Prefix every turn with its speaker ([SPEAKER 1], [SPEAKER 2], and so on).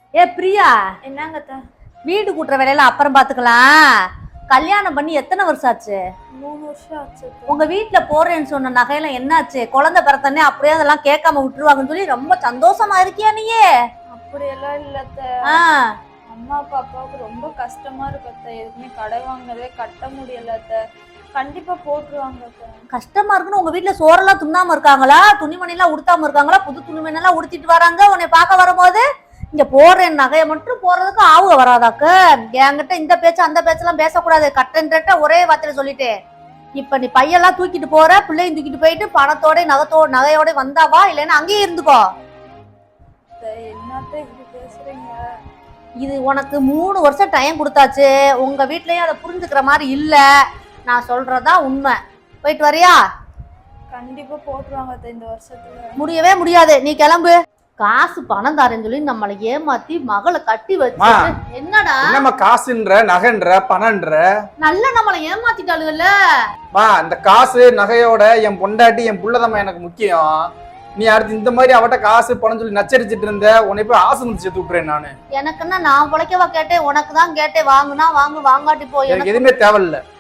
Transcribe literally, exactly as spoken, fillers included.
[SPEAKER 1] ஏ பிரியா,
[SPEAKER 2] என்னங்க அத்தை?
[SPEAKER 1] வீடு கூட்டுற வேலையில அப்புறம் பாத்துக்கலாம். கல்யாணம் பண்ணி எத்தனை வருஷம் ஆச்சு?
[SPEAKER 2] மூணு வருஷம் ஆச்சு அத்தை.
[SPEAKER 1] உங்க வீட்டுல போறேன்னு சொன்ன நகையெல்லாம் என்னாச்சு? குழந்தை பிறத்தனே அப்படியே அதெல்லாம் கேட்காம விட்டுருவாங்கன்னு சொல்லி ரொம்ப சந்தோஷமா இருக்கியா நீயே?
[SPEAKER 2] அப்படியெல்லாம் இல்ல அத்தை.
[SPEAKER 1] ஆஹ்
[SPEAKER 2] அம்மா அப்பாவுக்கு ரொம்ப கஷ்டமா இருக்கு அத்தை. எதுக்குமே கடை வாங்கினதே கட்ட முடியல அத்தை. கண்டிப்பா போட்டுருவாங்க அத்தை.
[SPEAKER 1] கஷ்டமா இருக்குன்னு உங்க வீட்டுல சோறெல்லாம் துண்ணாம இருக்காங்களா? துணிமணி எல்லாம் உடுத்தாம இருக்காங்களா? புது துணிமணி எல்லாம் உடுத்திட்டு வராங்க உன்னை பார்க்க வரும்போது. இங்க போறேன் நகையை மட்டும் போறதுக்கு ஆவுக வராதாக்கு. என்கிட்ட இந்த பேச்சு அந்த பேச்செல்லாம் பேசக்கூடாது. கட்டன்ற ஒரே வார்த்தையில சொல்லிட்டு இப்ப நீ பையெல்லாம் தூக்கிட்டு போற, பிள்ளையும் தூக்கிட்டு போயிட்டு பணத்தோட நகத்தோட நகையோட வந்தாவா, இல்லைன்னா அங்கேயே இருந்துக்கோ.
[SPEAKER 2] என்னத்த இப்படி பேசுறீங்க?
[SPEAKER 1] இது உனக்கு மூணு வருஷம் டைம் கொடுத்தாச்சு. உங்க வீட்லயும் அதை புரிஞ்சுக்கிற மாதிரி இல்ல. நான் சொல்றதா உண்மை. போயிட்டு வரியா?
[SPEAKER 2] கண்டிப்பா போட்டுருவாங்க அத்தை இந்த வருஷத்துல.
[SPEAKER 1] முடியவே முடியாது, நீ கிளம்பு. காசு பணம் தாரேன்னு சொல்லி நம்மளை ஏமாத்தி மகளை கட்டி வச்சு என்னடா
[SPEAKER 3] என்னம்மா காசுன்ற நகைன்ற பணன்ற
[SPEAKER 1] நல்ல நம்மளை ஏமாத்திட்டாளுகள்ல.
[SPEAKER 3] மா இந்த காசு நகையோட என் பொண்டாட்டி என் புள்ளதம்மா எனக்கு முக்கியம். நீ அடுத்து இந்த மாதிரி அவட்ட காசு பணம் சொல்லி நச்சரிச்சிட்டு இருந்த உன்னை போய் ஆசை முடிச்சு தூக்குறேன் நானு.
[SPEAKER 1] எனக்குன்னா நான் பிழைக்கவா கேட்டேன்? உனக்கு தான் கேட்டேன். வாங்குனா வாங்கு, வாங்காட்டி போய்
[SPEAKER 3] எனக்கு எதுவுமே தேவையில்லை.